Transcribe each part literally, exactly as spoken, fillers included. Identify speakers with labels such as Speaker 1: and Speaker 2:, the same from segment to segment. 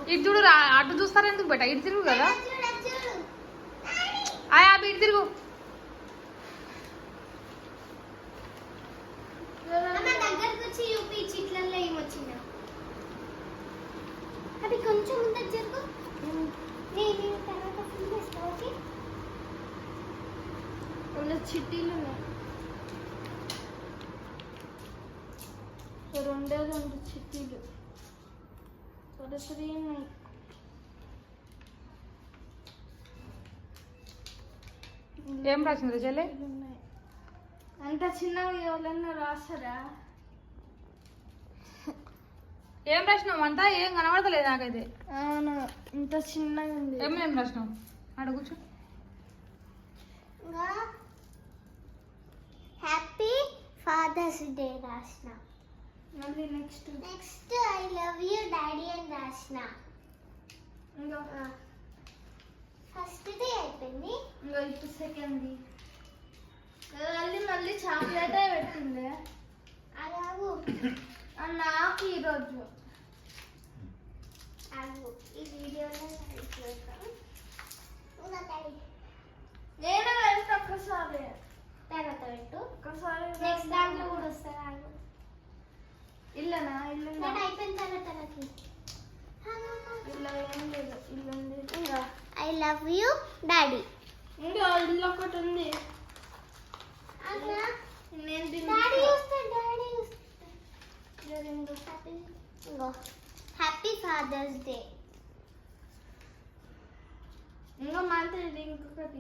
Speaker 1: ఇటు చూడు రా, అటు చూస్తారా ఎందుకు బెట, ఇటు తిరుగు కదా. ఆయా ఇటు తిరుగు.
Speaker 2: అది కొంచెం ముందర జరుగు. నేను తర్వాత ఫుల్ చేస్తాను. ఓకే, ఉన్న చిట్టీలు ఉన్నాయి, రెండే రెండు చిట్టీలు, త్రీ ఉన్నాయి.
Speaker 1: ఏం రాసింది చెల్లె?
Speaker 2: అంత చిన్నగా ఎవరన్నా రాస్తారా?
Speaker 1: ఏం రాసినావు? అంతా ఏం కనబడతలేదు నాకైతే.
Speaker 2: అవును, ఇంత చిన్నగా ఉంది.
Speaker 1: ఏం ఏం రాసినావు అడుగుచు.
Speaker 2: హ్యాపీ ఫాదర్స్ డే రాసిన. మళ్ళీ next next I love you daddy అని రాసిన. ఇంకా ఫస్ట్ డే అయిపోయింది, ఇంకా ఇప్పుడు సెకండ్. మళ్ళీ మళ్ళీ చాక్లెట్ పెట్టింది. అలాగూ నాకు ఈరోజు ఈ వీడియోలో నేను వెళ్తా ఒక్కసారి, తర్వాత పెట్టు ఒక్కసారి. నెక్స్ట్ దాంట్లో కూడా వస్తాను. ఇల్లనా? ఇల్లు అయిపోయిన తర్వాత ఇల్లు ఏం లేదు, ఇల్లు ఉంది. ఇంకా ఐ లవ్ యూ డాడీ. ఇంకా ఇల్లు ఒకటి ఉంది. నేను డాడీ వస్తాను, డాడీ హ్యాపీ ఫాదర్స్ డే. ఇంకా మంత్రి ఇంకొకటి,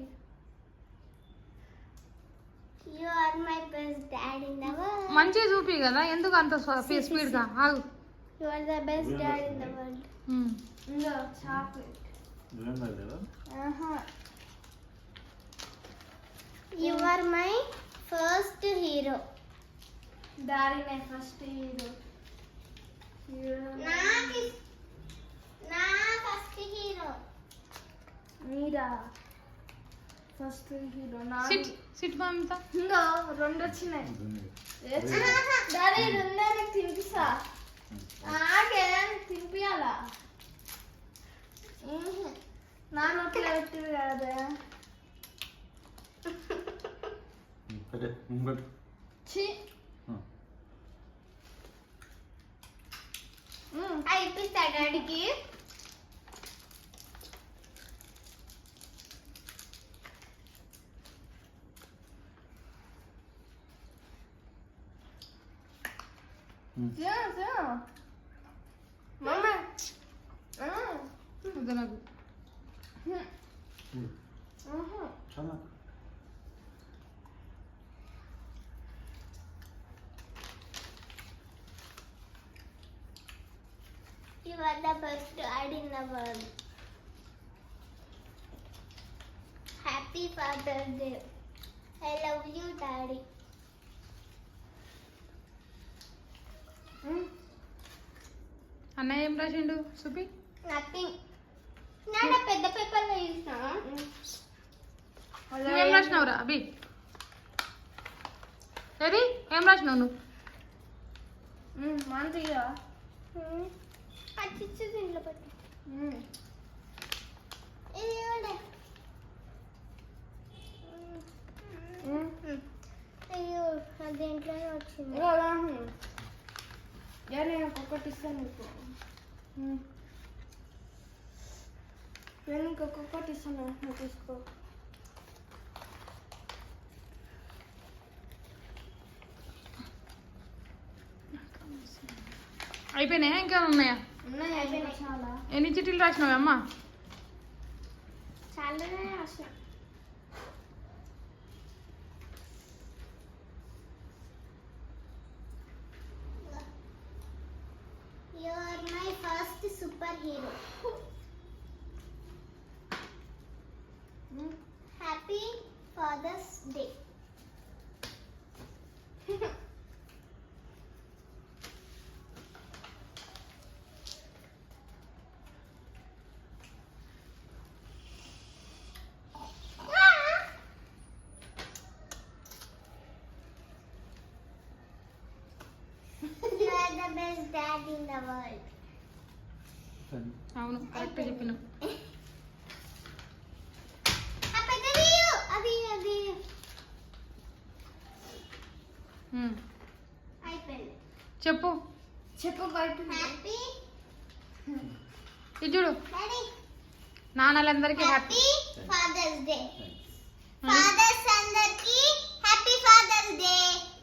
Speaker 2: you are my best dad in the world.
Speaker 1: మంచిగా చూపి కదా, ఎందుకు అంత స్పీడ్ గా ఆగు.
Speaker 2: You are the best dad in the world. ఇంకా chocolate. You are my first hero. డాడీనే ఫస్ట్ హీరో. నాకు నా ఫస్ట్ హీరో మీరా ఫస్ట్ హీరో.
Speaker 1: సిట్ సిట్ మమ్మీతో.
Speaker 2: ఇంకా రెండు వచ్చినాయి. డాడీ రెండే నాకు తినిపిస్తా. ఆగే తినిపియాలా? నా నోట్లో పెట్టింది కదా. ఛీ, ఇప్పిస్తా డాడీకి. మమ్మీ
Speaker 1: నాకు
Speaker 2: You are the best dad in the world. Happy Father's Day. I love you, Daddy.
Speaker 1: అన్నయ్య ఏం రాసిండు చూపి.
Speaker 2: నథింగ్. నాన్న పెద్ద పేపర్లో చూసినా.
Speaker 1: ఏం రాసినావు రా అభి? ఏది ఏం రాసినావు నువ్వు?
Speaker 2: మంచిగా అచ్చిచ్చు దీంట్లో పెట్టి. అయ్యో దేంట్లోనే వచ్చింది. నేను ఒక్కొక్కటి ఇస్తాను నీకు. నేను ఇంకొకటి ఇస్తాను, నువ్వు తీసుకో.
Speaker 1: అయిపోయినాయా ఇంకా ఉన్నాయా?
Speaker 2: ఉన్నాయి, అయిపోయినాయి చాలా.
Speaker 1: ఎన్ని చిట్టీలు రాసినావు అమ్మ?
Speaker 2: చాలానే రాసిన. You are my first superhero. Happy Father's Day. You are the best dad in the world.
Speaker 1: అవును కరెక్ట్ చెప్పినావు.
Speaker 2: అది అది
Speaker 1: ఉమ్,
Speaker 2: అయిపోయింది.
Speaker 1: చెప్పు
Speaker 2: చెప్పు హ్యాపీ
Speaker 1: ఇది చూడు నాన్నలందరికీ happy
Speaker 2: happy fathers day. Fathers అందరికి హ్యాపీ ఫాదర్స్ డే.